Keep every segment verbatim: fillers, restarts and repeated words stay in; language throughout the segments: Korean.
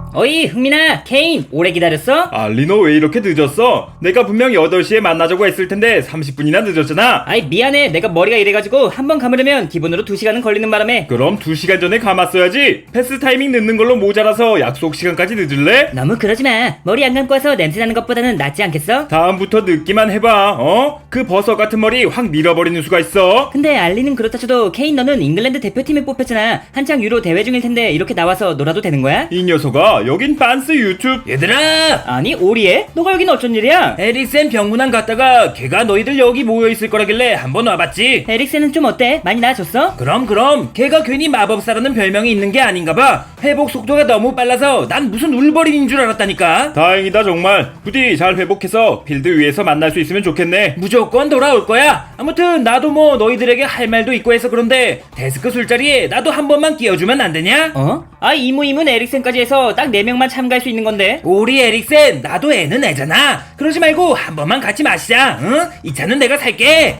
어이 흥민아, 케인 오래 기다렸어? 알리 너 왜 이렇게 늦었어? 내가 분명 여덟 시에 만나자고 했을 텐데 삼십 분이나 늦었잖아. 아이 미안해, 내가 머리가 이래가지고 한번 감으려면 기본으로 두 시간은 걸리는 바람에. 그럼 두 시간 전에 감았어야지. 패스 타이밍 늦는 걸로 모자라서 약속 시간까지 늦을래? 너무 그러지마. 머리 안 감고 와서 냄새나는 것보다는 낫지 않겠어? 다음부터 늦기만 해봐. 어? 그 버섯 같은 머리 확 밀어버리는 수가 있어. 근데 알리는 그렇다 쳐도 케인 너는 잉글랜드 대표팀에 뽑혔잖아. 한창 유로 대회 중일 텐데 이렇게 나와서 놀아도 되는 거야? 이 녀석아, 여긴 빤스 유튜브. 얘들아, 아니 오리에? 너가 여긴 어쩐 일이야? 에릭센 병문안 갔다가 걔가 너희들 여기 모여있을 거라길래 한번 와봤지. 에릭센은 좀 어때? 많이 나아졌어? 그럼 그럼 걔가 괜히 마법사라는 별명이 있는 게 아닌가봐. 회복 속도가 너무 빨라서 난 무슨 울버린인 줄 알았다니까. 다행이다 정말. 부디 잘 회복해서 필드 위에서 만날 수 있으면 좋겠네. 무조건 돌아올 거야. 아무튼 나도 뭐 너희들에게 할 말도 있고 해서 그런데 데스크 술자리에 나도 한 번만 끼워주면 안 되냐? 어? 아 이무이문 에릭센까지 해서 딱 네 명만 참가할 수 있는 건데. 우리 에릭센, 나도 애는 애잖아. 그러지 말고 한 번만 같이 마시자. 응? 이 차는 내가 살게.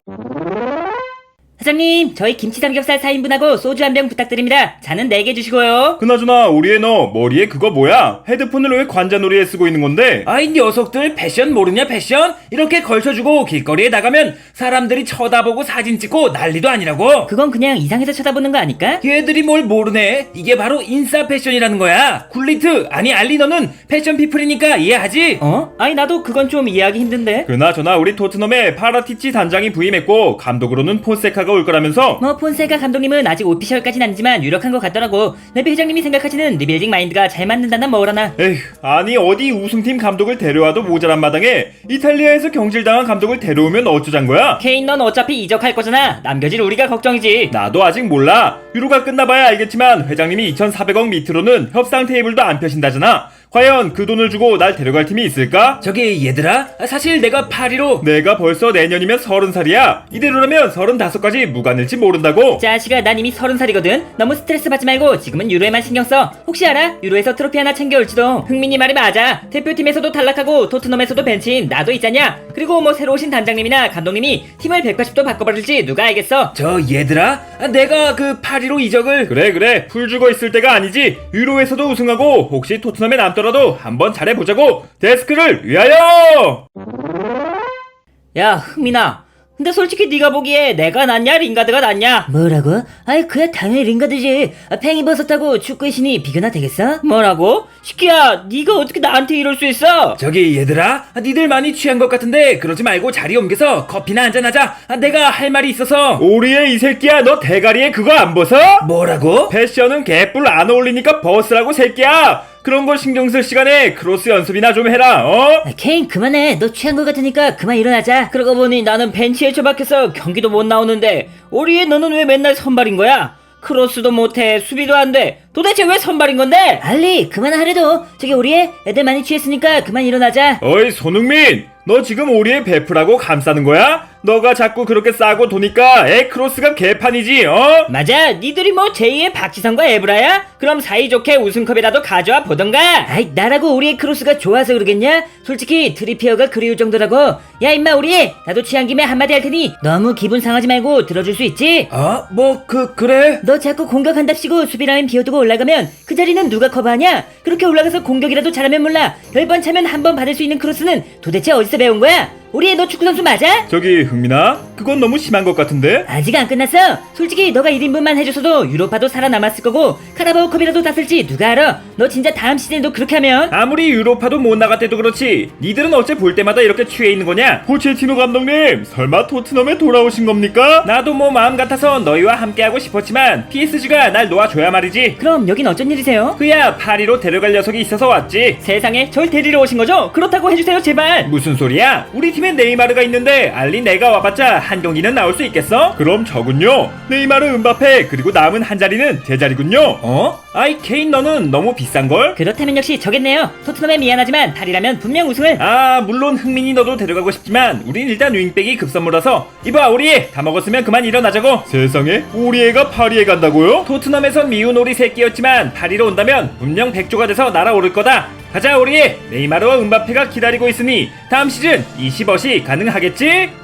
사장님, 저희 김치 삼겹살 사 인분하고 소주 한 병 부탁드립니다. 잔은 네 개 주시고요. 그나저나 우리 애 너 머리에 그거 뭐야? 헤드폰을 왜 관자놀이에 쓰고 있는 건데? 아이 녀석들 패션 모르냐 패션? 이렇게 걸쳐주고 길거리에 나가면 사람들이 쳐다보고 사진 찍고 난리도 아니라고. 그건 그냥 이상해서 쳐다보는 거 아닐까? 얘들이 뭘 모르네. 이게 바로 인싸 패션이라는 거야. 굴리트 아니 알리 너는 패션 피플이니까 이해하지? 어? 아니 나도 그건 좀 이해하기 힘든데. 그나저나 우리 토트넘에 파라티치 단장이 부임했고 감독으로는 폰세카가 올 거라면서? 뭐 폰세카 감독님은 아직 오피셜까진 아니지만 유력한 것 같더라고. 레비 회장님이 생각하시는 리빌딩 마인드가 잘 맞는다나 뭐라나. 에휴, 아니 어디 우승팀 감독을 데려와도 모자란 마당에 이탈리아에서 경질당한 감독을 데려오면 어쩌잔 거야? 케인 넌 어차피 이적할 거잖아. 남겨질 우리가 걱정이지. 나도 아직 몰라. 유로가 끝나봐야 알겠지만 회장님이 이천사백억 밑으로는 협상 테이블도 안 펴신다잖아. 과연 그 돈을 주고 날 데려갈 팀이 있을까? 저기 얘들아, 사실 내가 파리로. 내가 벌써 내년이면 서른 살이야. 이대로라면 서른다섯까지 무관일지 모른다고. 자식아, 난 이미 서른 살이거든. 너무 스트레스 받지 말고 지금은 유로에만 신경 써. 혹시 알아? 유로에서 트로피 하나 챙겨올지도. 흥민이 말이 맞아. 대표팀에서도 탈락하고 토트넘에서도 벤치인 나도 있잖냐. 그리고 뭐 새로 오신 단장님이나 감독님이 팀을 백팔십 도 바꿔버릴지 누가 알겠어. 저 얘들아, 내가 그 파리로 이적을. 그래 그래, 풀 죽어 있을 때가 아니지. 유로에서도 우승하고 혹시 토트넘에 남더라도 한번 잘해보자고. 데스크를 위하여. 야 흥민아, 근데 솔직히 네가 보기에 내가 낫냐 링가드가 낫냐? 뭐라고? 아이 그야 당연히 링가드지. 아, 팽이버섯하고 축구의 신이 비교나 되겠어? 뭐라고? 시끼야, 네가 어떻게 나한테 이럴 수 있어? 저기 얘들아, 니들 많이 취한 것 같은데 그러지 말고 자리 옮겨서 커피나 한잔하자. 내가 할 말이 있어서. 오리에 이 새끼야, 너 대가리에 그거 안 벗어? 뭐라고? 패션은 개뿔 안 어울리니까 벗으라고 새끼야. 그런 걸 신경 쓸 시간에 크로스 연습이나 좀 해라. 어? 아, 케인 그만해. 너 취한 것 같으니까 그만 일어나자. 그러고 보니 나는 벤치에 처박혀서 경기도 못 나오는데 오리에 너는 왜 맨날 선발인 거야? 크로스도 못해, 수비도 안 돼. 도대체 왜 선발인 건데? 알리 그만하래도. 저기 우리의 애들 많이 취했으니까 그만 일어나자. 어이 손흥민, 너 지금 오리에 베프라고 감싸는 거야? 너가 자꾸 그렇게 싸고 도니까 애 크로스가 개판이지. 어? 맞아, 니들이 뭐 제이의 박지성과 에브라야? 그럼 사이좋게 우승컵이라도 가져와 보던가. 아이 나라고 우리의 크로스가 좋아서 그러겠냐? 솔직히 트리피어가 그리울 정도라고. 야 임마 우리, 나도 취한 김에 한마디 할 테니 너무 기분 상하지 말고 들어줄 수 있지? 어? 뭐 그 그래? 너 자꾸 공격한답시고 수비라인 비워두고 올라가면 그 자리는 누가 커버하냐? 그렇게 올라가서 공격이라도 잘하면 몰라. 열 번 차면 한 번 받을 수 있는 크로스는 도대체 어디서 배운 거야? 우리 너 축구선수 맞아? 저기 흥민아, 그건 너무 심한 것 같은데? 아직 안 끝났어. 솔직히 너가 일 인분만 해줬어도 유로파도 살아남았을 거고 카라바오컵이라도 땄을지 누가 알아? 너 진짜 다음 시즌에도 그렇게 하면. 아무리 유로파도 못 나갔대도 그렇지 니들은 어째 볼 때마다 이렇게 취해 있는 거냐? 포체티노 감독님, 설마 토트넘에 돌아오신 겁니까? 나도 뭐 마음 같아서 너희와 함께하고 싶었지만 피에스지가 날 놓아줘야 말이지. 그럼 여긴 어쩐 일이세요? 그야 파리로 데려갈 녀석이 있어서 왔지. 세상에, 절 데리러 오신 거죠? 그렇다고 해주세요 제발. 무슨 소리야? 우리 팀에 네이마르가 있는데 알리 내가 와봤자 한 경기는 나올 수 있겠어? 그럼 저군요. 네이마르, 은바페 그리고 남은 한 자리는 제 자리군요. 어? 아이 케인, 너는 너무 비싼걸? 그렇다면 역시 저겠네요. 토트넘에 미안하지만 파리라면 분명 우승을. 아 물론 흥민이 너도 데려가고 싶지만 우린 일단 윙백이 급선무라서. 이봐 오리에, 다 먹었으면 그만 일어나자고. 세상에, 오리에가 파리에 간다고요? 토트넘에선 미운 오리 새끼였지만 파리로 온다면 분명 백조가 돼서 날아오를 거다. 가자 오리에, 네이마르와 은바페가 기다리고 있으니 다음 시즌 이십억이 가능하겠지?